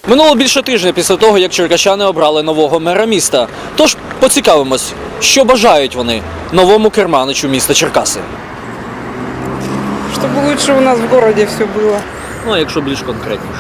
Минуло більше тижня після того, як черкащани обрали нового мера міста. Тож поцікавимось, що бажають вони новому керманичу міста Черкаси. Чтобы лучше у нас в городе все было. Ну, а якщо більш конкретніше.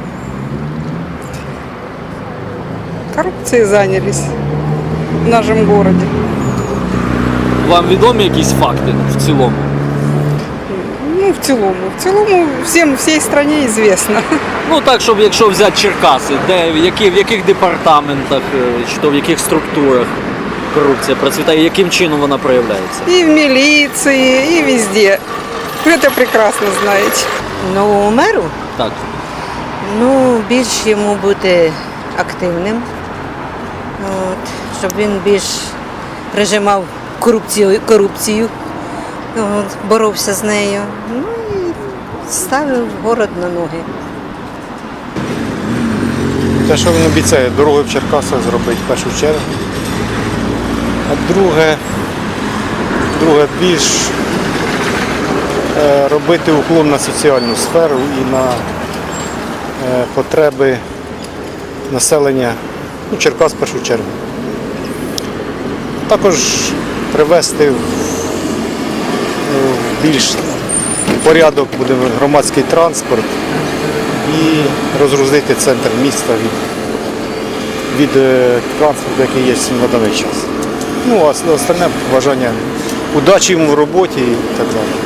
Коррупцией занялись в нашем городе. Вам відомі якісь факти в цілому? Ну, в целом всей стране известно. Ну так, щоб якщо взяти Черкаси, де, в яких департаментах, чи то в яких структурах корупція процвітає, яким чином вона проявляється? И в милиции, и везде. Вы это прекрасно знаете. Новому меру, Так. більш йому бути активним, щоб він більш прижимав корупцію, боровся з нею, і ставив город на ноги. Те, що він обіцяє, дороги в Черкасах зробити в першу чергу. А друге більш робити уклон на соціальну сферу і на потреби населення Черкас в першу чергу. Також привести в більш порядок буде громадський транспорт і розгрузити центр міста від транспорту, який є на даний час. Ну, а остальне бажання удачі йому в роботі і так далі.